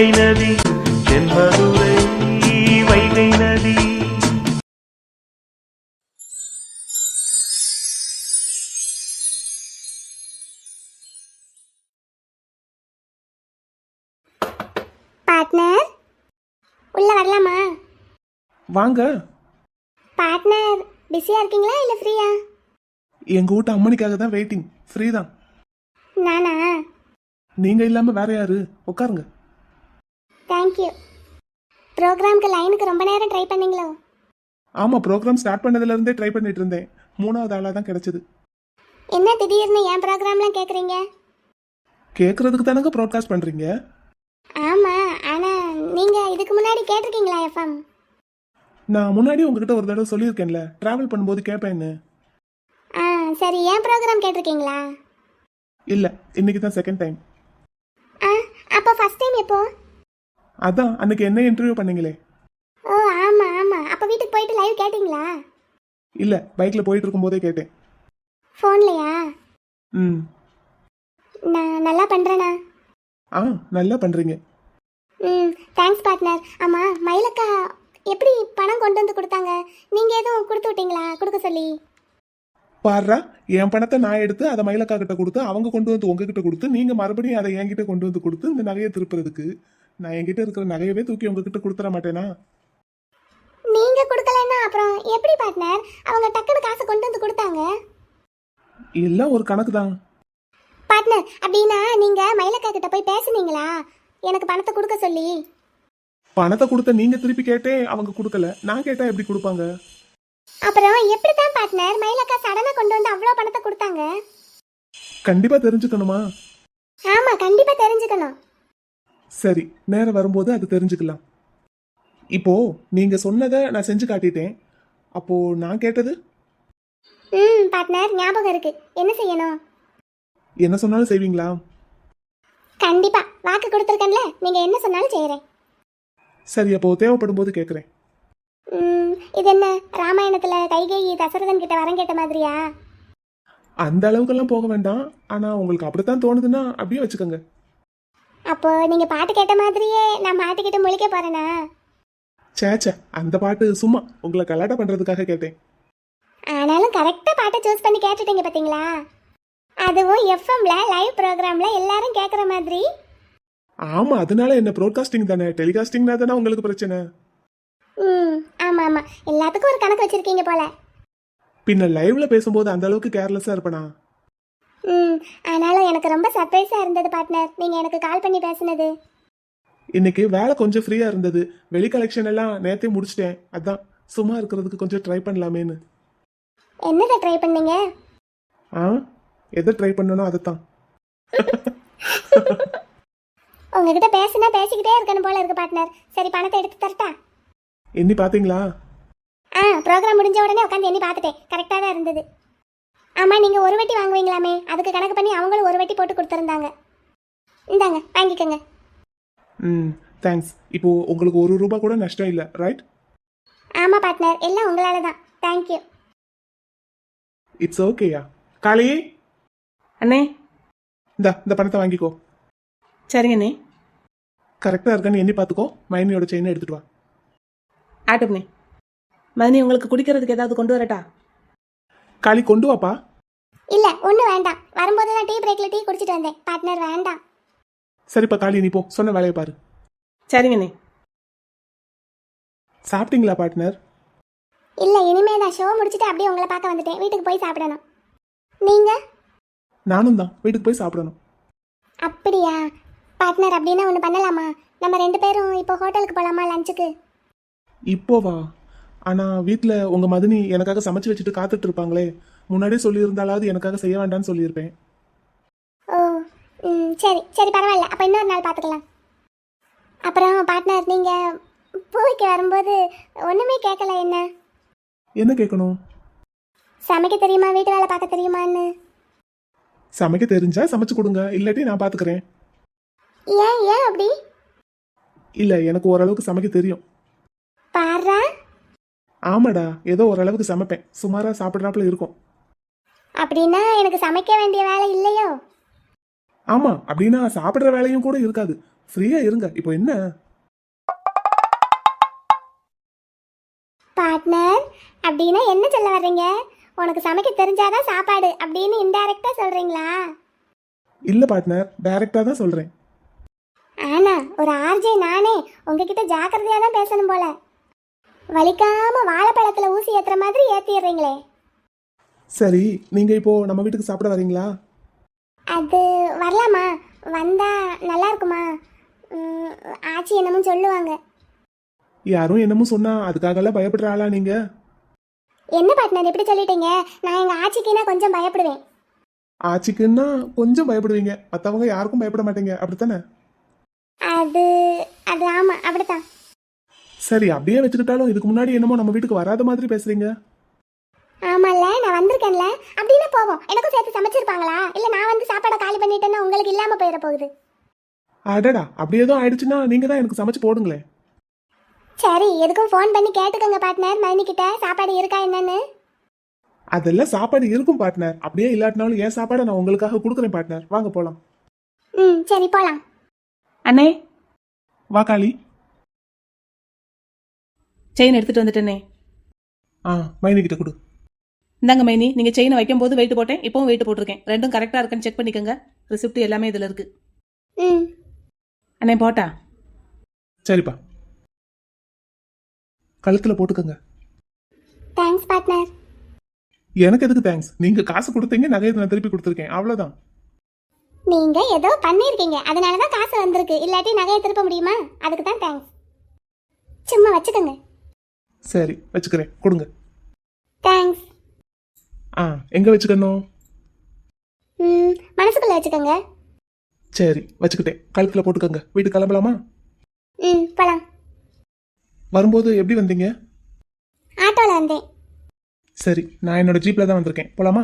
வைகை நதி தென்மதுரை வைகை நதி. பார்ட்னர் உள்ள வரலாமா? வாங்க. பார்ட்னர் பிஸியா இருக்கீங்களா இல்ல ஃப்ரீயா? எங்க வீட்டு அம்மனிக்காக தான் வெயிட்டிங். ஃப்ரீ தான். நானா? நீங்க இல்லாம வேற யாரு? உட்காருங்க. தேங்க்யூ. ப்ரோக்ராம்க்கு லைனுக்கு ரொம்ப நேரம் ட்ரை பண்ணீங்களோ? ஆமா, ப்ரோக்ராம் ஸ்டார்ட் பண்ணதுல இருந்தே ட்ரை பண்ணிட்டு இருந்தேன். 3வது ஆளா தான் கிடைச்சது. என்ன திடீர்னு என் ப்ரோக்ராம்லாம் கேக்குறீங்க? கேக்குறதுக்கு தானங்க ப்ராட்காஸ்ட் பண்றீங்க. ஆமா, ஆனா நீங்க இதுக்கு முன்னாடி கேட்டிருக்கீங்களா எஃப்எம்? நான் முன்னாடி உங்ககிட்ட ஒரு தடவை சொல்லியிருக்கேன்ல, டிராவல் பண்ணும்போது கேட்பேன்னு. ஆ சரி, என் ப்ரோக்ராம் கேட்டிருக்கீங்களா? இல்ல, இன்னைக்கு தான் செகண்ட் டைம். ஆ அப்போ ஃபர்ஸ்ட் டைம் எப்போ? அதான் அன்னைக்கு என்ன இன்டர்வியூ பண்ணீங்களே. ஓ ஆமா ஆமா, அப்போ வீட்டுக்கு போயிட்டு லைவ் கேட்டிங்களா? இல்ல, பைக்ல போயிட்டு இருக்கும்போதே கேட்டேன். ஃபோன்லையா? ம். நான் நல்லா பண்றேனா? ஆ, நல்லா பண்றீங்க. ம் தேங்க்ஸ் பார்ட்னர். ஆமா, மயிலக்கா எப்படி பணம் கொண்டு வந்து கொடுத்தாங்க? நீங்க எதுவும் கொடுத்து விட்டீங்களா கொடுக்க சொல்லி? பாருடா, என் பணத்தை நான் எடுத்து அதை மயிலக்கா கிட்ட கொடுத்து அவங்க கொண்டு வந்து உங்ககிட்ட கொடுத்து நீங்க மறுபடியும் அதை என்கிட்ட கொண்டு வந்து கொடுத்து இந்த நகையை திருப்புறதுக்கு நான் என்கிட்ட இருக்கிற நகையவே தூக்கி உங்ககிட்ட கொடுத்துட மாட்டேனா? நீங்க கொடுக்கலன்னா அப்புறம் எப்படி பார்ட்னர் அவங்க டக்குனு காசு கொண்டு வந்து கொடுத்தாங்க? எல்லாம் ஒரு கணக்கு தான். பார்ட்னர், அப்படின்னா நீங்க மயிலக்கா கிட்ட போய் பேசுனீங்களா எனக்கு பணத்தை கொடுக்க சொல்லி? பணத்தை கொடுத்த நீங்க திருப்பி கேட்டே அவங்க கொடுக்கல, நான் கேட்டா எப்படி கொடுப்பாங்க? அப்புறம் எப்படி தான் பார்ட்னர் மயிலக்கா சடனா கொண்டு வந்து அவ்வளோ பணத்தை கொடுத்தாங்க? கண்டிப்பா தெரிஞ்சுக்கணுமா? ஆமா, கண்டிப்பா தெரிஞ்சுக்கணும். சரி, நேரம் வரும்போது அது தெரிஞ்சுக்கலாம். இப்போ நீங்க சொன்னதை நான் செஞ்சு காட்டிட்டேன். அப்போ நான் கேட்டது? பார்ட்னர் ஞாபகம் இருக்கு. என்ன செய்யணும்? என்ன சொன்னாலும் செய்வீங்களா? கண்டிப்பா, வாக்கு கொடுத்துருக்கேன்ல, நீங்க என்ன சொன்னாலும் செய்யறேன். சரி, அப்போ தேவைப்படும் போது கேட்குறேன். இது என்ன ராமாயணத்துல கைகேயி தசரதன் கிட்ட வரம் கேட்ட மாதிரியா? அந்த அளவுக்கெல்லாம் போக வேண்டாம். ஆனா உங்களுக்கு அப்படித்தான் தோணுதுன்னா அப்படியே வச்சுக்கோங்க. அப்போ நீங்க பாட்டு கேட்ட மாதிரியே நான் மாட்டிக்கிட்டு முழிக்க போறேனா? சேச்சே, அந்த பாட்டு சும்மா உங்களை கலாட்டா பண்றதுக்காக கேட்டேன். ஆனாலும் கரெக்டா பாட்டை சூஸ் பண்ணி கேட்டுட்டீங்க பாத்தீங்களா? அதுவும் எஃப்எம்ல லைவ் ப்ரோக்ராம்ல எல்லாரும் கேட்குற மாதிரி. ஆமா, அதனால என்ன ப்ரோட்காஸ்டிங் தானே, டெலிகாஸ்டிங்னா தானே உங்களுக்கு பிரச்சனை. ஆமா ஆமா, எல்லாத்துக்கும் ஒரு கணக்கு வச்சிருக்கீங்க போல. பின்ன லைவ்ல பேசும்போது அந்த அளவுக்கு கேர்லெஸ்ஸா இருப்பனா? ஆனாலும் எனக்கு ரொம்ப சர்ப்ரைஸா இருந்தது பார்ட்னர், நீங்க எனக்கு கால் பண்ணி பேசுனது. இன்னைக்கு வேலை கொஞ்சம் ஃப்ரீயா இருந்தது. வெளி கலெக்ஷன் எல்லாம் நேத்தே முடிச்சிட்டேன். அதான் சும்மா இருக்கிறதுக்கு கொஞ்சம் ட்ரை பண்ணலாமேன்னு. என்னதை ட்ரை பண்ணீங்க? எதை ட்ரை பண்ணணும் அதைத்தான். உங்ககிட்ட பேசினா பேசிக்கிட்டே இருக்கணும் போல இருக்கு பார்ட்னர். சரி, பணத்தை எடுத்து தரட்டா? எண்ணி பாத்தீங்களா? ப்ரோக்ராம் முடிஞ்ச உடனே உட்காந்து எண்ணி பார்த்துட்டேன். கரெக்டாக தான் இருந்தது. ஆமா, நீங்க ஒரு வட்டி வாங்குவீங்களாமே, அதுக்கு கணக்கு பண்ணி அவங்களும் ஒரு வட்டி போட்டு கொடுத்துருந்தாங்க. இந்தாங்க, வாங்கிக்கோங்க. தேங்க்ஸ். இப்போ உங்களுக்கு ₹1 கூட நஷ்டம் இல்லை, ரைட்? ஆமா பார்ட்னர், எல்லாம் உங்களால தான். தேங்க்யூ. இட்ஸ் ஓகேயா. காளி அண்ணே, இந்த பணத்தை வாங்கிக்கோ. சரிங்க அண்ணே. கரெக்டாக இருக்கான்னு எண்ணி பார்த்துக்கோ. மைனியோட செயினை எடுத்துட்டு வா. ஆட்டும்ண்ணே. மதினி, உங்களுக்கு குடிக்கிறதுக்கு ஏதாவது கொண்டு வரட்டா? காளி, கொண்டு வாப்பா. இல்ல, ஒன்றும் வேண்டாம். வரும்போது நான் டீ பிரேக்ல டீ குடிச்சிட்டு வந்தேன். பார்ட்னர் வேண்டாம். சரிப்பா காளி, நீ போ, சொன்ன வேலையை பாரு. சரிங்கண்ணே. சாப்பிட்டீங்களா பார்ட்னர்? இல்ல, இனிமே நான் ஷோ முடிச்சுட்டு அப்படியே உங்களை பார்க்க வந்துட்டேன். வீட்டுக்கு போய் சாப்பிடணும். நீங்க? நானும் தான், வீட்டுக்கு போய் சாப்பிடணும். அப்படியா பார்ட்னர்? அப்படின்னா ஒன்று பண்ணலாமா? நம்ம 2 பேரும் இப்போ ஹோட்டலுக்கு போகலாமா லஞ்சுக்கு? இப்போவா? ஆனால் வீட்டில் உங்கள் மதினி எனக்காக சமைச்சு வச்சுட்டு காத்துட்டு இருப்பாங்களே. முன்னாடியே சொல்லியிருந்தாலாவது எனக்காக செய்ய வேண்டாம்னு சொல்லியிருப்பேன். ஓ சரி சரி, பரவாயில்ல. அப்போ இன்னொரு நாள் பார்த்துக்கலாம். அப்புறம் பார்ட்னர், நீங்கள் பூவிக்கு வரும்போது ஒன்றுமே கேட்கல. என்ன கேட்கணும்? சமைக்க தெரியுமா, வீட்டு வேலை பார்க்க தெரியுமான்னு? சமைக்க தெரிஞ்சா சமைச்சு கொடுங்க, இல்லாட்டி நான் பார்த்துக்கிறேன். ஏன் ஏன் அப்படி? இல்லை, எனக்கு ஓரளவுக்கு சமைக்க தெரியும். பாரா. ஆமாடா, ஏதோ ஓரளவுக்கு சமைப்பேன். சுமாராக சாப்பிட்றாப்புல இருக்கும். அப்படின்னா எனக்கு சமைக்க வேண்டிய வேலை இல்லையோ? ஆமாம், அப்படின்னா சாப்பிட்ற வேலையும் கூட இருக்காது. ஃப்ரீயா இருங்க. இப்போ என்ன? பார்ட்னர் அப்படின்னா என்ன சொல்ல வர்றீங்க? உனக்கு சமைக்க தெரிஞ்சாதான் சாப்பாடு அப்படின்னு இன்டைரக்டா சொல்றீங்களா? இல்ல பார்ட்னர், டைரக்டா தான் சொல்றேன். ஆனா ஒரு ஆர்ஜே நானே உங்ககிட்ட ஜாக்கிரதையா தான் பேசணும் போல. வலிக்காம வாழைப்பழத்துல ஊசி ஏத்துற மாதிரி ஏத்திடுறீங்களே. சரி, நீங்க இப்போ நம்ம வீட்டுக்கு சாப்பிட வரீங்களா? அது வரலாமா? வந்தா நல்லா இருக்குமா? ஆச்சி என்னமோ சொல்லுவாங்க. யாரும் என்னமோ சொன்னா அதுக்காகலாம் பயப்படுற ஆளா நீங்க? என்ன பார்ட்னர் இப்படி சொல்லிட்டீங்க? நான் எங்க ஆச்சிக்குன்னா கொஞ்சம் பயப்படுவேன். ஆச்சிக்குன்னா கொஞ்சம் பயப்படுவீங்க, மத்தவங்க யாருக்கும் பயப்பட மாட்டீங்க, அப்படித்தானே? அது அது ஆமா அப்படித்தான். சரி, அப்படியே வச்சுக்கிட்டாலும் இதுக்கு முன்னாடி என்னமோ நம்ம வீட்டுக்கு வராத மாதிரி பேசுறீங்க. ஆமால்ல, நான் வந்திருக்கேன்ல. அப்படின்னா போவோம். எனக்கும் சேர்த்து சமைச்சிருப்பாங்களா? இல்ல நான் வந்து சாப்பாடை காலி பண்ணிட்டேன்னா உங்களுக்கு இல்லாம போயிட போகுது. அடடா, அப்படி ஏதோ ஆயிடுச்சுன்னா நீங்க தான் எனக்கு சமைச்சு போடுங்களேன். சரி, எதுக்கும் ஃபோன் பண்ணி கேட்டுக்கோங்க பார்ட்னர் மைனி கிட்ட சாப்பாடு இருக்கா என்னன்னு. அதெல்லாம் சாப்பாடு இருக்கும் பார்ட்னர். அப்படியே இல்லாட்டினாலும் என் சாப்பாடை நான் உங்களுக்காக கொடுக்குறேன் பார்ட்னர். வாங்க போலாம். சரி போலாம். அண்ணே, வா காளி. செயின் எடுத்துட்டு வந்துட்டேனே. மைனி கிட்ட கொடு. இந்தாங்க மைனி, நீங்கள் செயினை வைக்கும்போது வெயிட் போட்டேன், இப்போவும் வெயிட் போட்டிருக்கேன். ரெண்டும் கரெக்டாக இருக்குன்னு செக் பண்ணிக்கோங்க. ரிசிப்ட் எல்லாமே இதில் இருக்கு. ம் அண்ணே போட்டா? சரிப்பா, கழுத்துல போட்டுக்கோங்க. Thanks partner. எனக்கு எதுக்கு தேங்க்ஸ்? நீங்க காசு கொடுத்தீங்க, நகையை நான் திருப்பி கொடுத்துருக்கேன், அவ்வளவுதான். நீங்க ஏதோ பண்ணியிருக்கீங்க, அதனால தான் காசு வந்திருக்கு. இல்லாட்டி நகையை திருப்ப முடியுமா? அதுக்கு தான் தேங்க்ஸ். சும்மா வச்சுக்கோங்க. சரி, வச்சுக்கிறேன், கொடுங்க. தேங்க்ஸ். எங்க வச்சுக்கணும்? மனசுக்குள்ள வச்சுக்கோங்க. சரி, வச்சுக்கிட்டேன். கழுத்துல போட்டுக்கோங்க. வீட்டுக்கு கிளம்பலாமா? போலாம். வரும்போது எப்படி வந்தீங்க? ஆட்டோல வந்தேன். சரி, நான் என்னோட ஜீப்ல தான் வந்திருக்கேன். போலாமா?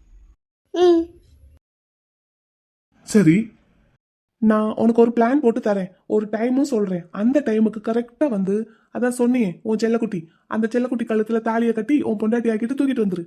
சரி, நான் உனக்கு ஒரு பிளான் போட்டு தரேன், ஒரு டைமும் சொல்றேன். அந்த டைமுக்கு கரெக்டா வந்து, அதான் சொன்னியே உன் செல்லக்குட்டி, அந்த செல்லக்குட்டி கழுத்துல தாலியை கட்டி உன் பொண்டாட்டி ஆக்கிட்டு தூக்கிட்டு வந்துரு.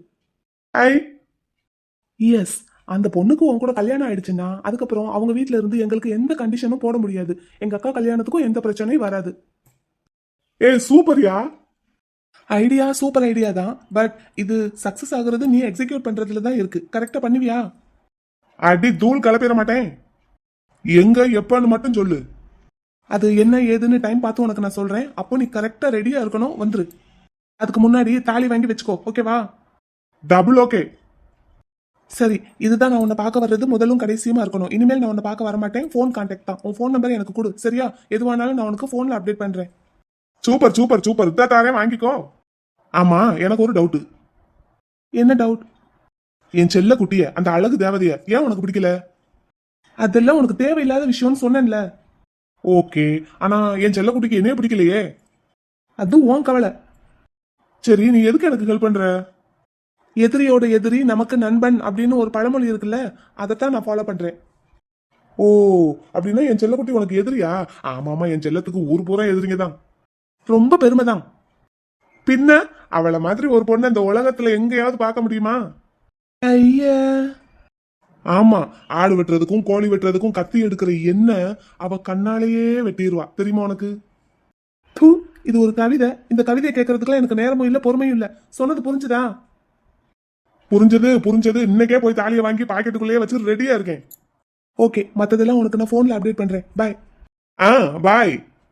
எஸ், அந்த பொண்ணுக்கு உன் கூட கல்யாணம் ஆயிடுச்சுன்னா அதுக்கப்புறம் அவங்க வீட்ல இருந்து எங்களுக்கு எந்த கண்டிஷனும் போட முடியாது. எங்க அக்கா கல்யாணத்துக்கும் எந்த பிரச்சனையும் வராது. சூப்பர்யா ஐடியா, சூப்பர் ஐடியா தான். பட் இது சக்சஸ் ஆகுறது நீ எக்ஸிக்யூட் பண்றதுல தான் இருக்கு. கரெக்டா பண்ணுவியா? அடி தூள் கலப்பிட மாட்டேன். எங்க எப்பன்னு மட்டும் சொல்லு. அது என்ன ஏதுன்னு டைம் பார்த்து உனக்கு நான் சொல்றேன். அப்போ நீ கரெக்டா ரெடியா இருக்கணும், வந்துரு. அதுக்கு முன்னாடி தாலி வாங்கி வச்சுக்கோ, ஓகேவா? Double okay. சரி, இதுதான் நான் உன்னை பார்க்க வர்றது முதலும் கடைசியுமா இருக்கணும். இனிமேல் நான் உன்னை பார்க்க வர மாட்டேன். ஃபோன் கான்டாக்ட் தான். உன் ஃபோன் நம்பர் எனக்கு கொடு, சரியா? எதுவானாலும் நான் உனக்கு ஃபோன்ல அப்டேட் பண்றேன். சூப்பர் சூப்பர் சூப்பர், இதான் தாரேன், வாங்கிக்கோ. ஆமா, எனக்கு ஒரு டவுட். என்ன டவுட்? என் செல்ல குட்டிய, அந்த அழகு தேவதைய ஏன் உனக்கு பிடிக்கல? அதெல்லாம் உனக்கு தேவையில்லாத விஷயம்னு சொன்னேன்ல. ஓகே, ஆனா என் செல்ல குட்டிக்கு என்னைய பிடிக்கலையே. அது உன் கவலை. சரி, நீ எதுக்கு எனக்கு ஹெல்ப் பண்ற? எதிரியோட எதிரி நமக்கு நண்பன் அப்படின்னு ஒரு பழமொழி இருக்குல்ல, அதைத்தான் நான் ஃபாலோ பண்றேன். ஓ, அப்படின்னா என் செல்லக்குட்டி உனக்கு எதிரியா? ஆமாமா, என் செல்லத்துக்கு ஊர் பூரா எதிரிங்க தான். ரொம்ப பெருமைதான். பின்ன அவளை மாதிரி ஒரு பொண்ணு இந்த உலகத்துல எங்கேயாவது பார்க்க முடியுமா? ஐயா, ஆமா, ஆடு வெட்டுறதுக்கும் கோழி வெட்டுறதுக்கும் கத்தி எடுக்கிற என்ன அவ கண்ணாலேயே வெட்டிடுவா, தெரியுமா உனக்கு? இது ஒரு கவிதை. இந்த கவிதையை கேட்கறதுக்குலாம் எனக்கு நேரமும் இல்ல, பொறுமையும் இல்ல. சொன்னது புரிஞ்சுதா? புரிஞ்சது புரிஞ்சது. இன்னைக்கே போய் தாலியை வாங்கி பாக்கெட்டுக்குள்ளேயே வச்சு ரெடியா இருக்கேன். ஓகே, மத்ததெல்லாம் உனக்கு நான் போன்ல அப்டேட் பண்றேன். பாய். பாய்.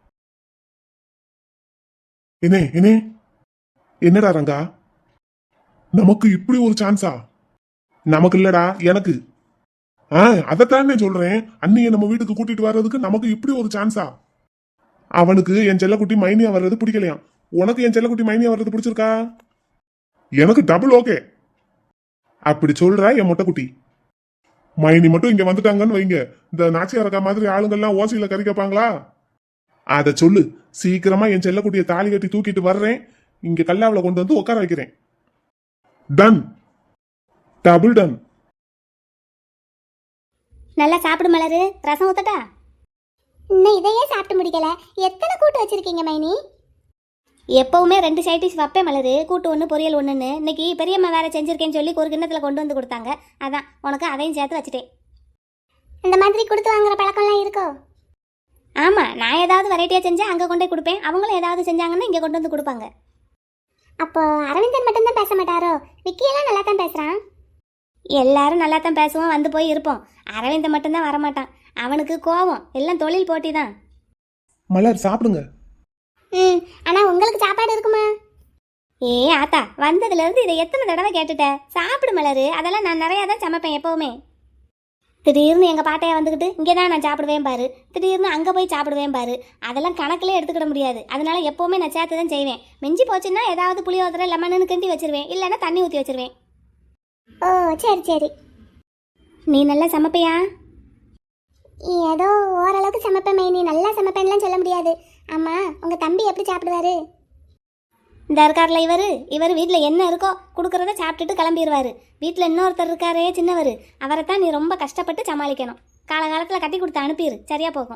என்னடா ரங்கா, நமக்கு இப்படி ஒரு சான்ஸா? நமக்கு இல்லடா, எனக்கு. அதைத்தானே சொல்றேன். அண்ணியை நம்ம வீட்டுக்கு கூட்டிட்டு வர்றதுக்கு நமக்கு இப்படி ஒரு சான்ஸா? அவனுக்கு என் செல்லக்குட்டி மைனியா வர்றது பிடிக்கலையா? உனக்கு என் செல்லக்குட்டி மைனியா வர்றது பிடிச்சிருக்கா? எனக்கு டபுள் ஓகே. அப்படி சொல்ற என் மொட்டைக்குட்டி. மைனி மட்டும் இங்க வந்துட்டாங்கன்னு வைங்க, இந்த நாச்சியாரக்கா மாதிரி ஆளுங்கள்லாம் ஓசையில கறி கேட்பாங்களா? அத சொல்லு. சீக்கிரமா என் செல்லக்குட்டியை தாலி கட்டி தூக்கிட்டு வர்றேன். இங்க கல்லாவில கொண்டு வந்து உட்கார வைக்கிறேன். டன். Double done. நல்லா சாப்பிடு மலரு. ரசம் ஊத்தட்டா? இன்னும் இதையே சாப்பிட்டு முடிக்கல. எத்தனை கூட்டு வச்சிருக்கீங்க மைனி? எப்பவுமே 2 சைட் டிஷ் வைப்பேன் மலரு. கூட்டு 1 பொரியல் 1ன்னு. இன்னைக்கு பெரியம்மா வேற செஞ்சிருக்கேன்னு சொல்லி ஒரு கிண்ணத்தில் கொண்டு வந்து கொடுத்தாங்க. அதான் உனக்கு அதையும் சேர்த்து வச்சுட்டேன். இந்த மாதிரி கொடுத்து வாங்குற பழக்கம்லாம் இருக்கோ? ஆமா, நான் ஏதாவது வெரைட்டியா செஞ்சா அங்க கொண்டு போய் கொடுப்பேன், அவங்களும் ஏதாவது செஞ்சாங்கன்னா இங்க கொண்டு வந்து கொடுப்பாங்க. அப்போ அரவிந்தன் மட்டும்தான் பேச மாட்டாரோ? விக்கியெல்லாம் நல்லா தான் பேசுறான். எல்லாரும் நல்லா தான் பேசுவோம், வந்து போய் இருப்போம். அரவிந்தன் மட்டும்தான் வரமாட்டான். அவனுக்கு கோவம், எல்லாம் தொழில் போட்டி தான். மலர் சாப்பிடுங்க. ஆனா உங்களுக்கு சாப்பாடு இருக்குமா? ஏ ஆத்தா, வந்ததுல இருந்து இதை எத்தனை தடவை கேட்டுட்ட? சாப்பிடு மலரு, அதெல்லாம் நான் நிறைய தான் சமைப்பேன் எப்பவுமே. திடீர்னு எங்க பாட்டையா வந்துக்கிட்டு இங்கே தான் நான் சாப்பிடுவேன் பாரு, திடீர்னு அங்கே போய் சாப்பிடுவேன் பாரு, அதெல்லாம் கணக்கிலே எடுத்துக்கிட முடியாது. அதனால எப்பவுமே நான் சேர்த்து தான் செய்வேன். மிஞ்சி போச்சுன்னா ஏதாவது புளியோதரை லெமனுன்னு கிண்டி வச்சிருவேன், இல்லைன்னா தண்ணி ஊற்றி வச்சிருவேன். ஓ சரி சரி. நீ நல்லா சமைப்பியா? ஏதோ ஓரளவுக்கு சமைப்பேன் மைனி, நல்லா சமைப்பேன்லாம் சொல்ல முடியாது. அம்மா, உங்க தம்பி எப்படி சாப்பிடுவாரு? இந்த இருக்கார்ல இவர் வீட்டில் என்ன இருக்கோ கொடுக்குறத சாப்பிட்டுட்டு கிளம்பிடுவாரு. வீட்டில் இன்னொருத்தர் இருக்காரே சின்னவர், அவரைத்தான் நீ ரொம்ப கஷ்டப்பட்டு சமாளிக்கணும். காலகாலத்தில் கட்டி கொடுத்து அனுப்பிடு, சரியா போகும்.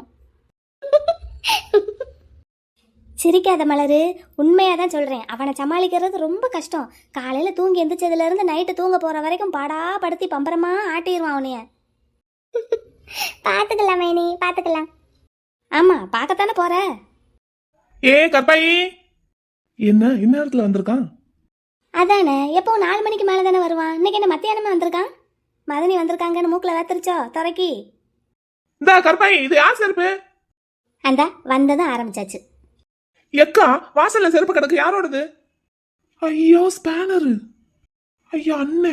சிரிக்காத மலரு, உண்மையாக தான் சொல்கிறேன். அவனை சமாளிக்கிறது ரொம்ப கஷ்டம். காலையில் தூங்கி எந்திரிச்சதுலேருந்து நைட்டு தூங்க போகிற வரைக்கும் படுத்தி பம்பரமா ஆட்டிடுவான் அவனைய. பார்த்துக்கலாம் மைனி, பார்த்துக்கலாம். ஆமாம், பார்க்கத்தானே போகிற. ஏ கற்பாயி, என்ன இந்நேரத்துல வந்திருக்கான்? அதானே, எப்போ 4 மணிக்கு மேலே தானே வருவான். இன்னைக்கு என்ன மத்தியானமே வந்திருக்கான்? மதனி வந்திருக்காங்கன்னு மூக்கில் வேத்துருச்சோ துறைக்கி? இந்த கற்பாயி, இது யார் செருப்பு? அந்த வந்ததும் ஆரம்பிச்சாச்சு. எக்கா, வாசல்ல செருப்பு கிடக்கு, யாரோடது? ஐயோ ஸ்பேனரு. ஐயோ அண்ணே.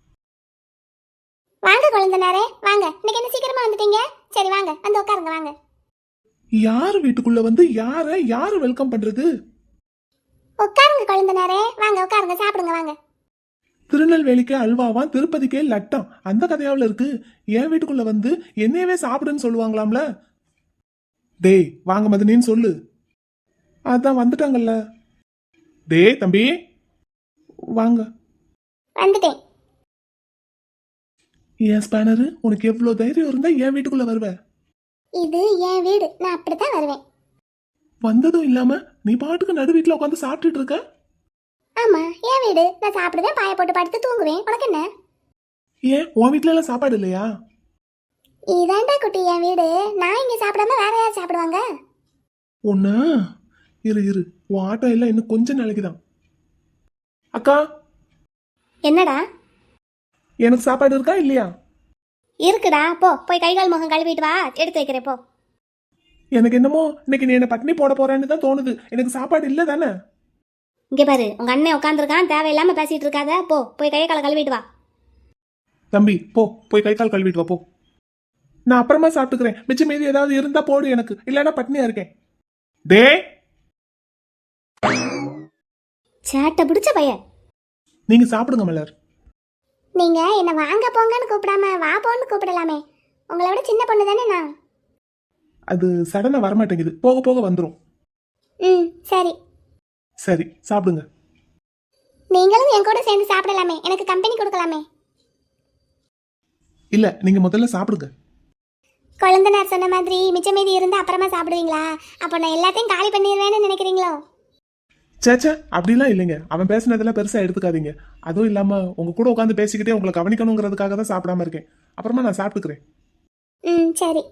வாங்க குழந்தைனாரே, வாங்க. இன்னைக்கு என்ன சீக்கிரமா வந்துட்டீங்க? சரி வாங்க, வந்து உட்காருங்க வாங்க. யாரு வீட்டுக்குள்ள வந்து யாரு வெல்கம் பண்றது? உட்காருங்க குழந்தைனாரே, வாங்க உட்காருங்க, சாப்பிடுங்க வாங்க. திருநெல்வேலிக்கே அல்வாவான், திருப்பதிக்கே லட்டம், அந்த கதையாவில் இருக்கு. என் வீட்டுக்குள்ள வந்து என்னையவே சாப்பிடுன்னு சொல்லுவாங்களாம்ல. டேய் வாங்க மதனின்னு சொல்லு. அதான் வந்துட்டாங்கல்ல. டேய் தம்பி வாங்க. வந்துட்டேன். ஏன் ஸ்பேனரு, உனக்கு எவ்வளவு தைரியம் இருந்தா என் வீட்டுக்குள்ள வருவ? இது என் வீடு, நான் அப்படித்தான் வருவேன். வந்ததும் இல்லாம நீ பாட்டுக்கு நடு வீட்டுல உட்காந்து சாப்பிட்டுட்டு இருக்க. ஆமா, என் வீடு, நான் சாப்பிடுவேன், பாய போட்டு படுத்து தூங்குவேன். உனக்கு என்ன? ஏன் உன் வீட்டுல எல்லாம் சாப்பாடு இல்லையா? இதாண்டா குட்டி என் வீடு, நான் இங்க சாப்பிடாம வேற யார் சாப்பிடுவாங்க? ஒண்ணு இரு, உன் ஆட்டம் எல்லாம் இன்னும் கொஞ்ச நாளைக்கு தான். அக்கா, என்னடா? எனக்கு சாப்பாடு இருக்கா இல்லையா? இருக்குடா, போ போய் கை கால் முகம் கழுவிட்டு வா, எடுத்து வைக்கிறேன் போ. எனக்கு என்னமோ இன்னைக்கு நீ என்ன பட்டினி போட போறேன்னு தான் தோணுது. எனக்கு சாப்பாடு இல்ல தானே? இங்க பாரு, உங்க அண்ணன் உட்காந்துருக்கான், தேவையில்லாம பேசிட்டு இருக்காத. போய் கை காலை கழுவிட்டு வா. தம்பி போய் கை கால் கழுவிட்டு வா போ. நான் அப்புறமா சாப்பிட்டுக்கிறேன். மிச்சம் மீதி ஏதாவது இருந்தா போடு எனக்கு, இல்லைன்னா பட்னியா இருக்கேன். டே சேட்டை பிடிச்ச பையன். நீங்க சாப்பிடுங்க மலர். நீங்க என்ன வாங்க போங்கன்னு கூப்பிடாம வா போன்னு கூப்பிடலாமே. உங்களை விட சின்ன பொண்ணு தானே நான். அது சடனா வரமாட்டேங்குது, போக போக வந்துடும். சரி சரி சாப்பிடுங்க. நீங்களும் என் கூட சேர்ந்து சாப்பிடலாமே, எனக்கு கம்பெனி கொடுக்கலாமே. இல்ல, நீங்க முதல்ல சாப்பிடுங்க. குழந்தைனார் சொன்ன மாதிரி மிச்சம் மீதி இருந்தா அப்புறமா சாப்பிடுவீங்களா? அப்போ நான் எல்லாத்தையும் காலி பண்ணிடுவேன்னு நினைக்கிறீங்களோ? சேச்சே, அப்படிலாம் இல்லைங்க. அவன் பேசினதெல்லாம் பெருசா எடுத்துக்காதீங்க. அதுவும் இல்லாம உங்க கூட உட்காந்து பேசிக்கிட்டே உங்களை கவனிக்கணுங்கிறதுக்காக தான் சாப்பிடாம இருக்கேன். அப்புறமா நான் சாப்பிட்டுக்கிறேன். சரி.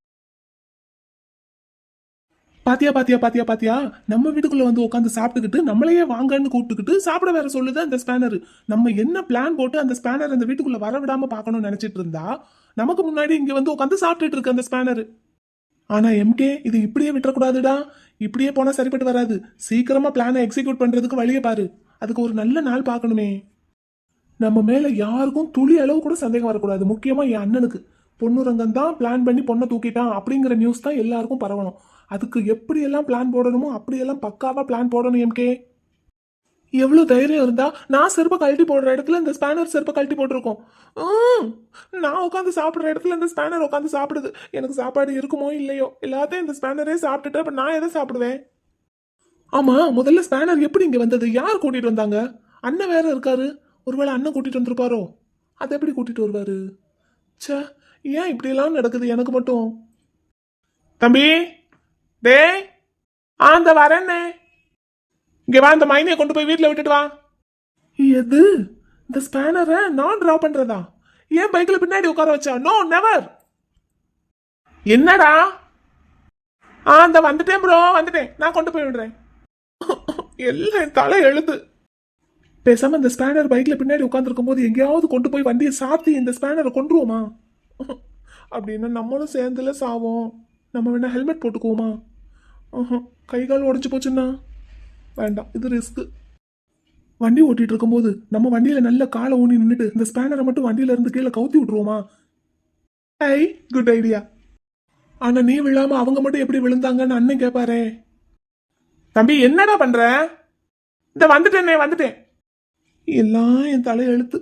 பாத்தியா நம்ம வீட்டுக்குள்ள வந்து உட்காந்து சாப்பிட்டுக்கிட்டு நம்மளையே வாங்கன்னு கூப்பிட்டுக்கிட்டு சாப்பிட வேற சொல்லுது அந்த ஸ்பேனர். நம்ம என்ன பிளான் போட்டு அந்த ஸ்பேனர் அந்த வீட்டுக்குள்ள வர விடாம பார்க்கணும்னு நினைச்சிட்டு இருந்தா நமக்கு முன்னாடி இங்க வந்து உட்காந்து சாப்பிட்டுட்டு இருக்கு அந்த ஸ்பேனர். ஆனா எம்கே, இது இப்படியே விட்டுறக்கூடாதுடா. இப்படியே போனா சரிப்பட்டு வராது. சீக்கிரமா பிளானை எக்ஸிக்யூட் பண்றதுக்கு வழியை பாரு. அதுக்கு ஒரு நல்ல நாள் பார்க்கணுமே. நம்ம மேல யாருக்கும் துளி அளவு கூட சந்தேகம் வரக்கூடாது. முக்கியமா என் அண்ணனுக்கு. பொண்ணுரங்கம் தான் பிளான் பண்ணி பொண்ணை தூக்கிட்டான் அப்படிங்கிற நியூஸ் தான் எல்லாருக்கும் பரவணும். அதுக்கு எப்படியெல்லாம் பிளான் போடணுமோ அப்படியெல்லாம் பக்காவா பிளான் போடணும் எம்கே. எவ்வளவு தைரியம் இருந்தா நான் செருப்பை கழட்டி போடுற இடத்துல இந்த ஸ்பேனர் செருப்பை கழட்டி போட்டிருக்கோம். நான் உட்காந்து சாப்பிடுற இடத்துல இந்த ஸ்பேனர் உட்காந்து சாப்பிடுது. எனக்கு சாப்பாடு இருக்குமோ இல்லையோ, எல்லாத்தையும் இந்த ஸ்பேனரே சாப்பிட்டுட்டு அப்ப நான் எதை சாப்பிடுவேன்? ஆமா, முதல்ல ஸ்பேனர் எப்படி இங்க வந்தது? யார் கூட்டிட்டு வந்தாங்க? அண்ணன் வேற இருக்காரு. ஒருவேளை அண்ணன் கூட்டிட்டு வந்திருப்பாரோ? அதை எப்படி கூட்டிட்டு வருவாரு? சே, ஏன் இப்படி எல்லாம் நடக்குது எனக்கு மட்டும்? தம்பி, டே அந்த வரேன்னே, இங்க வா, இந்த மைனியை கொண்டு போய் வீட்டுல விட்டுட்டு வா. எது? இந்த ஸ்பேனரை நான் டிரா பண்றதா? ஏன் பைக்ல பின்னாடி உட்கார வச்சா? No, never. என்னடா அந்த வந்துட்டேன் ப்ரோ, வந்துட்டேன். நான் கொண்டு போய் விடுறேன். எல்லாம் என் தலை எழுது. பேசாம இந்த ஸ்பேனர் பைக்ல பின்னாடி உட்காந்துருக்கும் போது எங்கேயாவது கொண்டு போய் வண்டியை சாத்தி இந்த ஸ்பேனரை கொண்டுருவோமா? அப்படின்னா நம்மளும் சேர்ந்துல சாவோம். நம்ம வேணா ஹெல்மெட் போட்டுக்குவோமா? கை கால் உடஞ்சு போச்சுன்னா வேண்டாம், இது ரிஸ்க். வண்டி ஓட்டிட்டு இருக்கும்போது நம்ம வண்டியில நல்ல காலை ஊனி நின்றுட்டு இந்த ஸ்பேனரை மட்டும் வண்டியில இருந்து கீழே கவுத்தி விட்டுருவோமா? ஐ, குட் ஐடியா. ஆனா நீ விழாம அவங்க மட்டும் எப்படி விழுந்தாங்கன்னு அண்ணன் கேட்பாரே. தம்பி என்னடா பண்ற? இந்த வந்துட்டேனே, வந்துட்டேன். எல்லாம் என் தலை எழுத்து.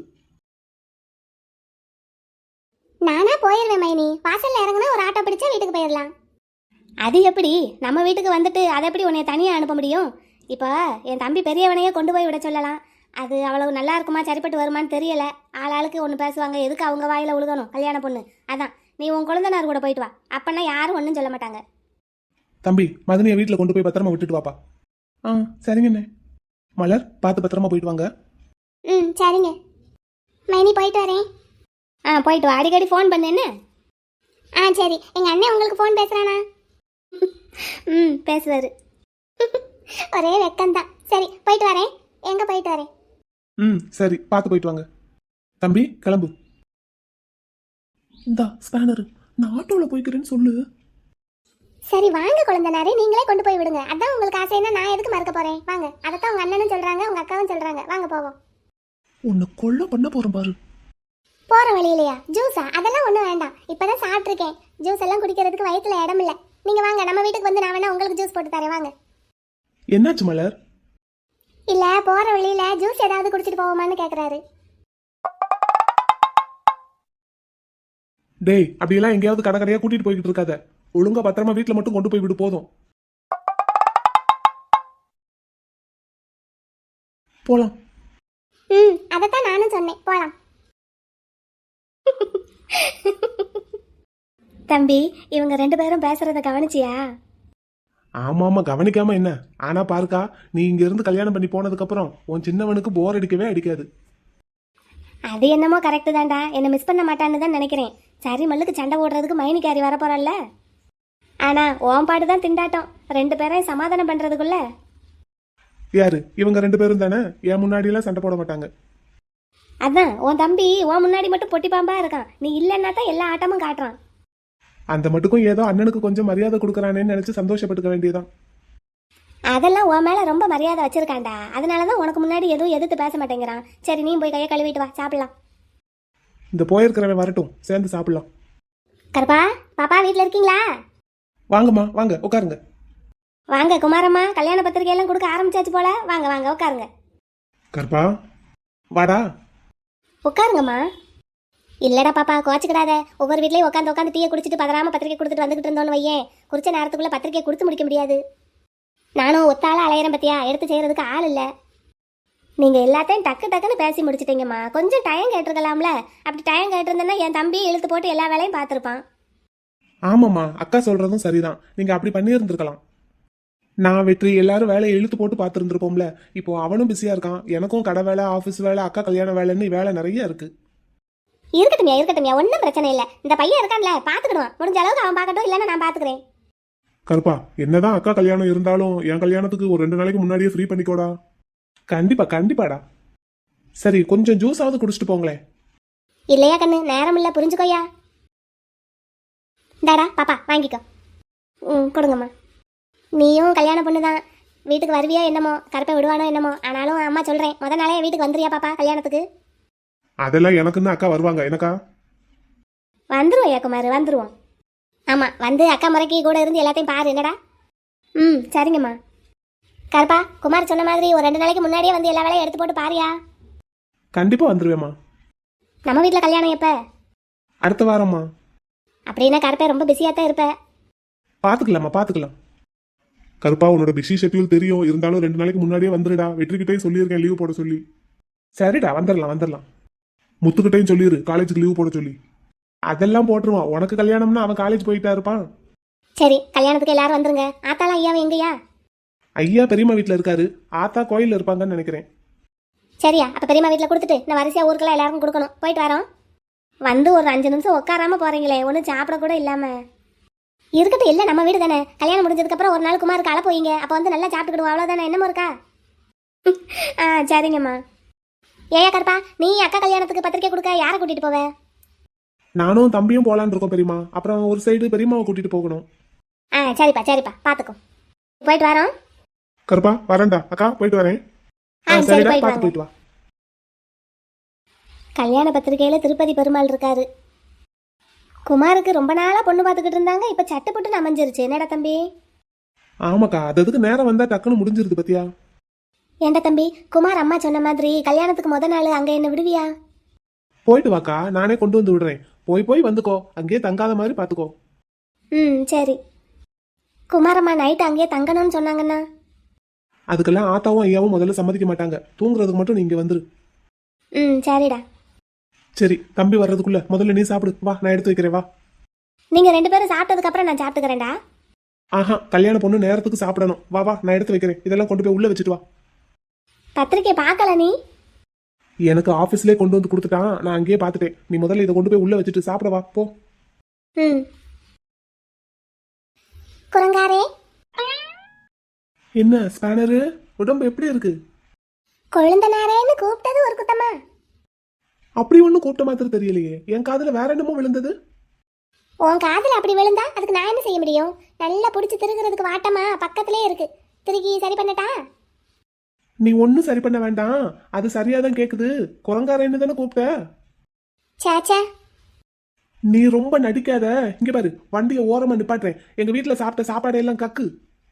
நானா போயிடுவேன் மைனி. வாசல்ல இறங்குனா ஒரு ஆட்டோ பிடிச்சா வீட்டுக்கு போயிடலாம். அது எப்படி? நம்ம வீட்டுக்கு வந்துட்டு அதை எப்படி உன்னை தனியாக அனுப்ப முடியும்? இப்போ என் தம்பி பெரியவனையே கொண்டு போய் விட சொல்லலாம். அது அவ்வளவு நல்லா இருக்குமா, சரிப்பட்டு வருமான்னு தெரியல. ஆளாளுக்கு ஒன்று பேசுவாங்க. எதுக்கு அவங்க வாயில உழுகணும்? கல்யாண பொண்ணு அதான். நீ உன் குழந்தைனார் கூட போயிட்டு வா. அப்பன்னா யாரும் ஒன்றும் சொல்ல மாட்டாங்க. தம்பி மதனியை வீட்டில் கொண்டு போய் பத்திரமா விட்டுட்டு வாப்பா. சரிங்கண்ணே. மலர் பார்த்து பத்திரமா போயிட்டு வாங்க. ம், சரிங்க மைனி, போயிட்டு வரேன். போயிட்டு வா. அடிக்கடி ஃபோன் பண்ணு என்ன? சரி. எங்கள் அண்ணன் உங்களுக்கு ஃபோன் பேசுகிறானா? பேசுவார். ஒரே வெக்கம்தான். சரி, போயிட்டு வரேன். எங்கே போயிட்டு வரேன்? சரி, பார்த்து போயிட்டு வாங்க. தம்பி கிளம்பு. இந்தா ஸ்பேனர். நான் ஆட்டோவில் போய்க்கிறேன்னு சொல்லு. சரி வாங்க குழந்தைனாரே, நீங்களே கொண்டு போய் விடுங்க. அதான் உங்களுக்கு ஆசைன்னா நான் எதுக்கு மறக்க போகிறேன்? வாங்க. அதைத்தான் உங்கள் அண்ணனும் சொல்கிறாங்க, உங்கள் அக்காவும் சொல்கிறாங்க. வாங்க போவோம். உன்னை கொல்ல பண்ண போகிறேன் பாரு. போகிற வழியிலையா ஜூஸா? அதெல்லாம் ஒன்றும் வேண்டாம். இப்போ தான் சாப்பிட்ருக்கேன். ஜூஸ் எல்லாம் குடிக்கிறதுக்கு வயிற்றுல இடம் இல்லை. நீங்கள் வாங்க, நம்ம வீட்டுக்கு வந்து நான் வேணா உங்களுக்கு ஜூஸ் போட்டு தரேன். வாங்க. என்னாச்சு மலர்? இல்லை, போகிற வழியில் ஜூஸ் ஏதாவது குடிச்சிட்டு போவோமான்னு கேட்குறாரு. டேய், அப்படியெல்லாம் எங்கேயாவது கடை கடையா கூட்டிட்டு போய்கிட்டு இருக்காத. ஒழுங்கா பத்திரமா வீட்டுல மட்டும் கொண்டு போய் விடு, போதும். போலாம். அதைத்தான் நானும் சொன்னேன், போலாம். தம்பி, இவங்க ரெண்டு பேரும் பேசுறத கவனிச்சியா? ஆமா கவனிக்காம என்ன? ஆனா பாருக்கா, நீ இங்க இருந்து கல்யாணம் பண்ணி போனதுக்கு அப்புறம் உன் சின்னவனுக்கு போர் அடிக்கவே அடிக்காது. அது என்னமோ கரெக்டு தான்டா. என்ன மிஸ் பண்ண மாட்டான்னு தான் நினைக்கிறேன். சரி, மல்லுக்கு சண்டை ஓடுறதுக்கு மைனிக்காரி வரப்போறல்ல. ஆனா ஓம் பாடு தான் திண்டாட்டம். ரெண்டு பேரையும் சமாதானம் பண்றதுக்குள்ள. யாரு இவங்க ரெண்டு பேரும் தானே? என் முன்னாடி எல்லாம் சண்டை போட மாட்டாங்க. அதான் உன் தம்பி உன் முன்னாடி மட்டும் பொட்டி பாம்பா இருக்கான். நீ இல்லைன்னா தான் எல்லா ஆட்டமும் காட்டுறான். அந்த மட்டுக்கும் ஏதோ அண்ணனுக்கு கொஞ்சம் மரியாதை கொடுக்கறானேன்னு நினைச்சு சந்தோஷப்பட்டுக்க வேண்டியதான். அதெல்லாம் உன் மேல ரொம்ப மரியாதை வச்சிருக்காண்டா. அதனாலதான் உனக்கு முன்னாடி எதுவும் எதிர்த்து பேச மாட்டேங்கிறான். சரி, நீ போய் கையை கழுவிட்டு வா, சாப்பிடலாம். இந்த போயிருக்கிறவன் வரட்டும், சேர்ந்து சாப்பிடலாம். கருப்பா, பாப்பா வீட்டில் இருக்கீங்களா? வாங்கம்மா, வாங்க உட்காருங்க. வாங்க குமாரம்மா, கல்யாண பத்திரிகையெல்லாம் கொடுக்க ஆரம்பிச்சாச்சு போல. வாங்க வாங்க உட்காருங்க. கற்பா வாடா. உட்காருங்கம்மா. இல்லடா பாப்பா, கோச்சுக்கிடாத. ஒவ்வொரு வீட்லயும் உட்காந்து உட்காந்து டீயை குடிச்சிட்டு பதறாம பத்திரிக்கை கொடுத்துட்டு வந்துகிட்டு இருந்தோன்னு வையேன், குறிச்ச நேரத்துக்குள்ள பத்திரிக்கை கொடுத்து முடிக்க முடியாது. நானும் ஒத்தால அலையிறேன் பத்தியா, எடுத்து செய்யறதுக்கு ஆள் இல்லை. நீங்க எல்லாத்தையும் டக்கு டக்குன்னு பேசி முடிச்சிட்டீங்கம்மா. கொஞ்சம் டைம் கேட்டிருக்கலாம்ல. அப்படி டைம் கேட்டிருந்தேன்னா என் தம்பி இழுத்து போட்டு எல்லா வேலையும் பார்த்துருப்பான். ஆமாம்மா, அக்கா சொல்றதும் சரிதான். நீங்க அப்படி பண்ணியிருந்திருக்கலாம். நான் வெற்றி எல்லாரும் வேலையை இழுத்து போட்டு பார்த்துருந்துருப்போம்ல. இப்போ அவனும் பிஸியா இருக்கான், எனக்கும் கடை வேலை, ஆஃபீஸ் வேலை, அக்கா கல்யாண வேலைன்னு வேலை நிறைய இருக்கு. இருக்கட்டும்யா, ஒன்றும் பிரச்சனை இல்லை. இந்த பையன் இருக்கான்ல, பார்த்துக்கிடுவான். முடிஞ்ச அளவுக்கு அவன் பார்க்கட்டும், இல்லைன்னா நான் பார்த்துக்கிறேன். கருப்பா, என்னதான் அக்கா கல்யாணம் இருந்தாலும் என் கல்யாணத்துக்கு ஒரு 2 நாளைக்கு முன்னாடியே ஃப்ரீ பண்ணிக்கோடா. கண்டிப்பா கண்டிப்பாடா. சரி, கொஞ்சம் ஜூஸாவது குடிச்சிட்டு போங்களேன். இல்லையா கண்ணு, நேரம் இல்லை, புரிஞ்சுக்கோயா. டாடா பாப்பா வாங்கிக்கோ. கொடுங்கம்மா. நீயும் கல்யாண பொண்ணு தான். வீட்டுக்கு வருவியோ என்னமோ, கருப்பை விடுவானோ என்னமோ. ஆனாலும் அம்மா சொல்கிறேன், முத நாளே வீட்டுக்கு வந்துறியா பாப்பா கல்யாணத்துக்கு? அதெல்லாம் எனக்குன்னு அக்கா வருவாங்க. எனக்கா? வந்துருவோம் குமார், வந்துருவோம். ஆமாம், வந்து அக்கா முறைக்கு கூட இருந்து எல்லாத்தையும் பாரு என்னடா. சரிங்கம்மா. கருப்பா, குமார் சொன்ன மாதிரி ஒரு 2 நாளைக்கு முன்னாடியே வந்து எல்லா வேலையும் எடுத்து போட்டு பாரியா. கண்டிப்பா வந்துருவேம்மா. நம்ம வீட்டில் கல்யாணம் எப்போ? அடுத்த வாரம்மா. அப்படின்னா கருப்பை ரொம்ப பிஸியாக தான் இருப்ப. பாத்துக்கலாம். கருப்பா, உன்னோட பிஸி ஷெட்யூல் தெரியும். இருந்தாலும் 2 நாளைக்கு முன்னாடியே வந்துருடா. வெற்றிக்கிட்டையும் சொல்லியிருக்கேன் லீவு போட சொல்லி. சரிடா, வந்துடலாம். முத்துக்கிட்டையும் சொல்லிடு காலேஜுக்கு லீவு போட சொல்லி. அதெல்லாம் போட்டுருவான். உனக்கு கல்யாணம்னா அவன் காலேஜ் போயிட்டா இருப்பான். சரி, கல்யாணத்துக்கு எல்லாரும் வந்துருங்க. ஆத்தாலாம் ஐயாவும் எங்கயா? ஐயா பெரியம்மா வீட்டில் இருக்காரு. ஆத்தா கோயிலில் இருப்பாங்கன்னு நினைக்கிறேன். சரியா, அப்போ பெரியம்மா வீட்டில் கொடுத்துட்டு நான் வரிசையாக ஊருக்கெல்லாம் எல்லாருக்கும் கொடுக்கணும். போயிட்டு வரோம். வந்து ஒரு 5 நிமிஷம் உட்காராம போறீங்களே, ஒன்றும் சாப்பிட கூட இல்லாம. இருக்கட்டும், இல்லை நம்ம வீடு தானே. கல்யாணம் முடிஞ்சதுக்கப்புறம் ஒரு நாள் குமாருக்கு அழ போயிங்க, அப்போ வந்து நல்லா சாப்பிட்டுக்கிடுவோம், அவ்வளோதானே. என்னமோ இருக்கா? ஆ சரிங்கம்மா. ஏயா கருப்பா, நீ அக்கா கல்யாணத்துக்கு பத்திரிக்கை கொடுக்க யாரை கூட்டிகிட்டு போவ? நானும் தம்பியும் போலான்னு இருக்கோம் பெரியமா. அப்புறம் ஒரு சைடு பெரியம்மாவை கூட்டிட்டு போகணும். ஆ சரிப்பா சரிப்பா, பார்த்துக்கோ. போயிட்டு வரோம். கருப்பா வரேன்டா. அக்கா போயிட்டு வரேன். ஆ சரி, சரிடா, போயிட்டு பார்த்து வாங்க. போயிட்டு வா. கல்யாண பத்திரிக்கையில் திருப்பதி பெருமாள் இருக்காரு. குமாருக்கு ரொம்ப நாளாக பொண்ணு பார்த்துக்கிட்டு இருந்தாங்க, இப்போ சட்டுப்பட்டுன்னு அமைஞ்சிருச்சு. என்னடா தம்பி? ஆமாக்கா, அது அதுக்கு நேரம் வந்தா டக்குன்னு முடிஞ்சிருது பத்தியா. ஏண்டா தம்பி, குமார் அம்மா சொன்ன மாதிரி கல்யாணத்துக்கு முத நாள் அங்கே என்ன விடுவியா? போயிட்டு வாக்கா, நானே கொண்டு வந்து விடுறேன். போய் போய் வந்துக்கோ, அங்கேயே தங்காத மாதிரி பாத்துக்கோ. ம் சரி. குமாரம்மா நைட்டு அங்கேயே தங்கணும்னு சொன்னாங்கண்ணா. அதுக்கெல்லாம் ஆத்தாவும் ஐயாவும் முதல்ல சம்மதிக்க மாட்டாங்க. தூங்குறதுக்கு மட்டும் நீங்க வந்துரு. ம் சரிடா. சரி, தம்பி வர்றதுக்குள்ள முதல்ல நீ சாப்பிடு. வா, நான் எடுத்து வைக்கிறேன். வா. நீங்கள் 2 பேரும் சாப்பிட்டதுக்கப்புறம் நான் சாப்பிட்டுக்கிறேன்டா. ஆஹா, கல்யாண பொண்ணு நேரத்துக்கு சாப்பிடணும். வா வா, நான் எடுத்து வைக்கிறேன். இதெல்லாம் கொண்டு போய் உள்ள வச்சுட்டு வா. பத்திரிக்கை பார்க்கல நீ? எனக்கு ஆபீஸ்லயே கொண்டு வந்து கொடுத்துட்டான், நான் அங்கேயே பார்த்துட்டேன். நீ முதல்ல இதை கொண்டு போய் உள்ள வச்சுட்டு சாப்பிட வா, போ. ம். குரங்காரே, என்ன ஸ்பேனரு, உடம்பு எப்படி இருக்கு? கொழுந்தனாரேன்னு கூப்பிட்டது ஒரு குத்தமா? அப்படி ஒன்றும் கூப்பிட்ட மாத்திரம் தெரியலையே. என் காதுல வேற என்னமோ விழுந்தது. உன் காதில் அப்படி விழுந்தா அதுக்கு நான் என்ன செய்ய முடியும்? நல்லா பிடிச்சி திருகிறதுக்கு வாட்டமா பக்கத்துலேயே இருக்கு. திருக்கி சரி பண்ணட்டா? நீ ஒன்னும் சரி பண்ண வேண்டாம், அது சரியாதான் கேக்குது. குரங்காரன்னு தானே கூப்பிட்ட. சேச்சே, நீ ரொம்ப நடிக்காத. இங்க பாரு, வண்டியை ஓரமா நிப்பாட்டுறேன். எங்க வீட்டுல சாப்பிட்ட சாப்பாடு எல்லாம் கக்கு.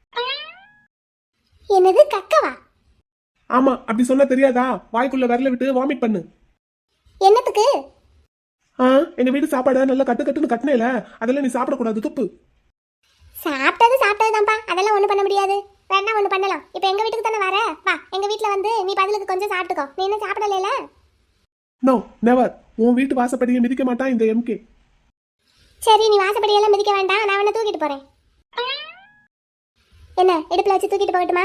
என்னது கக்கவா? ஆமா, அப்படி சொன்னா தெரியாதா? வாய்க்குள்ள விரல விட்டு வாமிட் பண்ணு. என்னத்துக்கு? எங்க வீட்டு சாப்பாடு நல்லா கட்டு கட்டுன்னு கட்டினேல, அதெல்லாம் நீ சாப்பிடக்கூடாது, துப்பு. சாப்பிட்டது தான்ப்பா, அதெல்லாம் ஒன்றும் பண்ண முடியாது. வேணா ஒன்று பண்ணலாம். இப்போ எங்கள் வீட்டுக்கு தானே வர, வா எங்கள் வீட்டில் வந்து நீ பதிலுக்கு கொஞ்சம் சாப்பிட்டுக்கோ. நீ என்ன சாப்பிடல? No never. உன் வீட்டு வாசப்படியை மிதிக்க மாட்டான் இந்த எம்கே. சரி, நீ வாசப்படியெல்லாம் மிதிக்க வேண்டாம், நான் வேணா தூக்கிட்டு போகிறேன். என்ன இடுப்பில் வச்சு தூக்கிட்டு போகட்டுமா?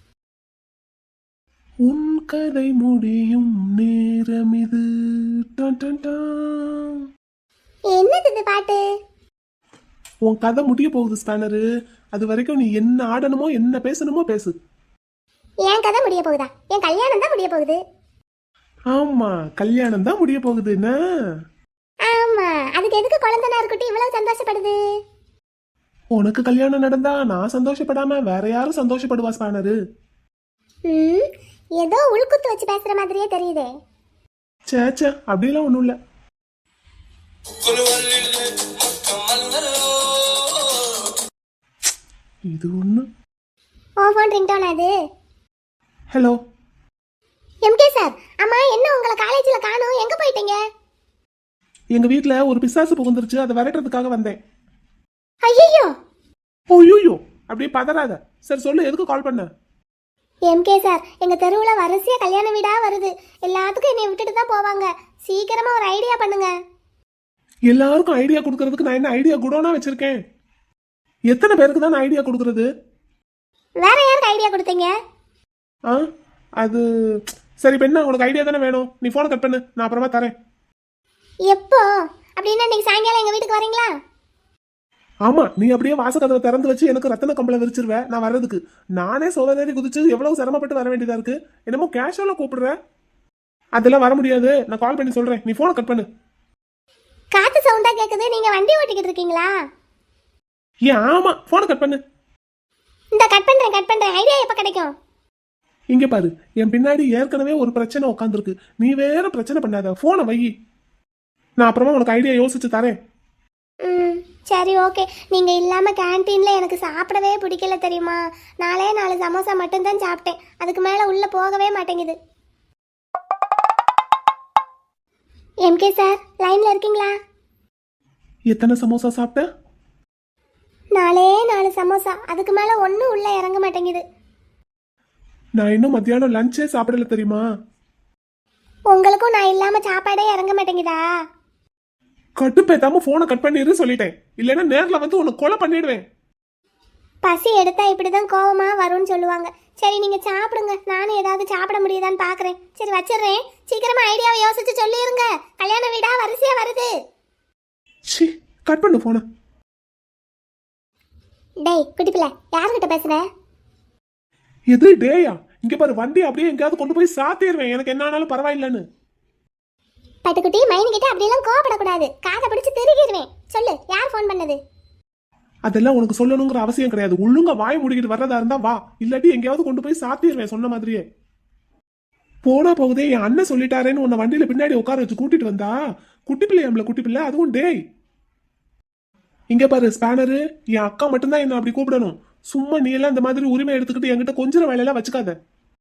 உன் கதை முடியும் நேரம் இது. டன் டன் டன். என்னது இது பாட்டு? உன் கதை முடிய போகுது ஸ்பேனரு. அது வரைக்கும் நீ என்ன ஆடணுமோ என்ன பேசணுமோ பேசு. என் கதை முடிய போகுதா? என் கல்யாணம் தான் முடிய போகுது. ஆமா, கல்யாணம் தான் முடிய போகுது. என்ன? ஆமா, அதுக்கு எதுக்கு குழந்தைனார் குட்டி இவ்வளவு சந்தோஷப்படுது? உனக்கு கல்யாணம் நடந்தா நான் சந்தோஷப்படாம வேற யாரும் சந்தோஷப்படுவா ஸ்பேனரு? ம், ஏதோ உள்குத்து வச்சு பேசுற மாதிரியே தெரியுதே. சேச்சா, அப்படிலாம் ஒண்ணும் இல்ல. இது ஒண்ணு. ஓ ஃபோன் ரிங்டோன் அது. ஹலோ எம்கே சார், அம்மா என்ன உங்களை காலேஜில் காணோம், எங்கே போயிட்டீங்க? எங்க வீட்ல ஒரு பிசாசு புகுந்துருச்சு, அதை விரட்டுறதுக்காக வந்தேன். ஐயோ, ஓய்யோ, அப்படியே பதறாத. சரி சொல்லு, எதுக்கு கால் பண்ண? எம்கே சார், எங்கள் தெருவில் வரிசையாக கல்யாண வீடாக வருது. எல்லாத்துக்கும் என்னை விட்டுட்டு தான் போவாங்க. சீக்கிரமாக ஒரு ஐடியா பண்ணுங்க. எல்லாருக்கும் ஐடியா கொடுக்கறதுக்கு நான் என்ன ஐடியா குடோனா வச்சிருக்கேன்? எத்தனை பேருக்கு தான் நான் ஐடியா கொடுக்கறது? வேற யாருக்கு ஐடியா கொடுத்தீங்க? அது சரி. இப்ப என்ன, உனக்கு ஐடியா தானே வேணும்? நீ போனை கட் பண்ணு, நான் அப்புறமா தரேன். எப்போ? அப்படின்னா இன்னைக்கு சாயங்காலம் எங்கள் வீட்டுக்கு வரீங்களா? ஆமா, நீ அப்படியே வாசக்கதவை திறந்து வச்சு எனக்கு ரத்தன கம்பளம் விரிச்சிருவேன் நான் வர்றதுக்கு. நானே சோதனை குதிச்சு எவ்வளவு சிரமப்பட்டு வர வேண்டியதா இருக்கு. என்னமோ கேஷுவலா கூப்பிடுற. அதெல்லாம் வர முடியாது, நான் கால் பண்ணி சொல்றேன். நீ போனை கட் பண்ணு. காத்து சவுண்டா கேக்குது, நீங்க வண்டி ஓட்டிக்கிட்டு இருக்கீங்களா? ஆமா, போனை கட் பண்ணு. இந்த கட் பண்றேன். ஐடியா எப்ப கிடைக்கும்? இங்க பாரு, என் பின்னாடி ஏற்கனவே ஒரு பிரச்சனை உட்காந்துருக்கு. நீ வேற பிரச்சனை பண்ணாத, போனை வை. நான் அப்புறமா உனக்கு ஐடியா யோசிச்சு தரேன். ம் சரி ஓகே. நீங்க இல்லாம கேன்டீன்ல எனக்கு சாப்பிடவே பிடிக்கல தெரியுமா? 4 சமோசா மட்டும்தான் சாப்பிட்டேன். அதுக்கு மேல உள்ள போகவே மாட்டேங்குது. எம்கே சார், லைன்ல இருக்கீங்களா? எத்தனை சமோசா சாப்பிட்ட? 4 சமோசா, அதுக்கு மேல ஒன்னும் உள்ள இறங்க மாட்டேங்குது. நான் இன்னும் மத்தியானம் லஞ்சே சாப்பிடல தெரியுமா? உங்களுக்கும் நான் இல்லாம சாப்பாடே இறங்க மாட்டேங்குதா? கட்டுப்பேத்தாம போனை கட் பண்ணிரு சொல்லிட்டேன். இல்லைன்னா நேர்ல வந்து உன்னை கொலை பண்ணிடுவேன். பசி எடுத்தா இப்படிதான் கோவமா வரும்னு சொல்லுவாங்க. சரி நீங்க சாப்பிடுங்க, நானும் ஏதாவது சாப்பிட முடியுதான்னு பாக்குறேன். சரி வச்சிடுறேன். சீக்கிரமா ஐடியாவை யோசிச்சு சொல்லிருங்க. கல்யாண வீடா வரிசையா வருது. கட் பண்ணு போன. டேய் குட்டி பிள்ளை யாருக்கிட்ட பேசுற? எது டேயா? இங்க பாரு, வண்டி அப்படியே எங்கேயாவது கொண்டு போய் சாத்திடுவேன், எனக்கு என்ன ஆனாலும் பரவாயில்லன்னு. பட்டுக்குட்டி மைனி கிட்ட அப்படியெல்லாம் கோவப்படக்கூடாது, காதை பிடிச்சு திருகிடுவேன். சொல்லு, யார் ஃபோன் பண்ணது? அதெல்லாம் உனக்கு சொல்லணுங்கிற அவசியம் கிடையாது. ஒழுங்கா வாய் முடிக்கிட்டு வர்றதா இருந்தா வா, இல்லாட்டி எங்கேயாவது கொண்டு போய் சாத்திடுவேன் சொன்ன மாதிரியே. போனா போகுதே, என் அண்ணன் சொல்லிட்டாரேன்னு உன்னை வண்டியில பின்னாடி உட்கார வச்சு கூட்டிட்டு வந்தா குட்டி பிள்ளையாம்ல, குட்டி பிள்ளை, அதுவும் டேய். இங்க பாரு ஸ்பேனரு, என் அக்கா மட்டும்தான் என்ன அப்படி கூப்பிடணும். சும்மா நீ எல்லாம் இந்த மாதிரி உரிமை எடுத்துக்கிட்டு என்கிட்ட கொஞ்சம் வேலையெல்லாம் வச்சுக்காத.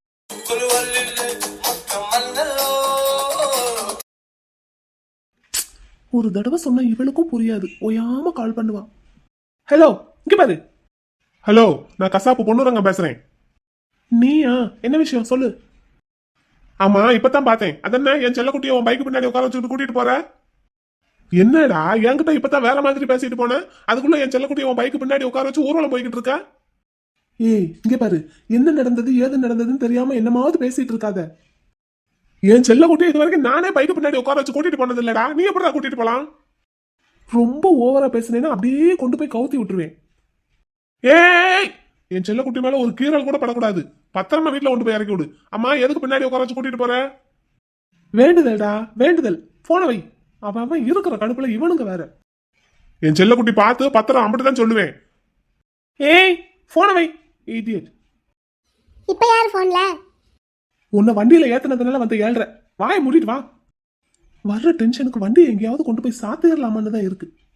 ஒரு தடவை சொன்னா இவளுக்கும் புரியாது, ஓயாம கால் பண்ணுவா. ஹலோ, இங்க பாரு. ஹலோ, நான் கசாப்பு பொண்ணுரங்க பேசுறேன். நீயா? என்ன விஷயம் சொல்லு. ஆமா, இப்பதான் பார்த்தேன். அதென்ன என் செல்லக்குட்டியை உன் பைக்கு பின்னாடி உட்கார வச்சுட்டு கூட்டிட்டு போற? என்னடா என்கிட்ட இப்பதான் வேற மாதிரி பேசிட்டு போனேன், அதுக்குள்ள என் செல்லக்குட்டியை உன் பைக்கு பின்னாடி உட்கார வச்சு ஊர்வலம் போய்கிட்டு இருக்கா? ஏய் இங்க பாரு, என்ன நடந்தது ஏது நடந்ததுன்னு தெரியாம என்னமாவது பேசிட்டு இருக்காத. என் செல்லக்குட்டியை இது வரைக்கும் நானே பைக்கு பின்னாடி உட்கார வச்சு கூட்டிட்டு போனது இல்லடா, நீ எப்படிடா கூட்டிட்டு போலாம்? ரொம்ப ஓவரா பேசுனேன்னா அப்படியே கொண்டு போய் கவுத்தி விட்டுருவேன். ஏய், என் செல்லக்குட்டி மேல ஒரு கீரல் கூட படக்கூடாது, பத்திரமா வீட்டுல கொண்டு போய் இறக்கி விடு. அம்மா எதுக்கு பின்னாடி உட்கார வச்சு கூட்டிட்டு போற? வேண்டுதல்டா வேண்டுதல், போன வை. அவன் இருக்கிற கடுப்புல இவனுங்க வேற. என் செல்லக்குட்டி பார்த்து பத்திரம் அப்படிதான் சொல்லுவேன். ஏய் போன வை இடியட். இப்ப யார் ஃபோன்ல? உன்னை வண்டியில ஏத்துனதுனால வந்து ஏழ்ற, வாயை மூடிட்டு வா. வர்ற டென்ஷனுக்கு வண்டி எங்கேயாவது கொண்டு போய் சாத்திடலாமான்னு தான் இருக்கு.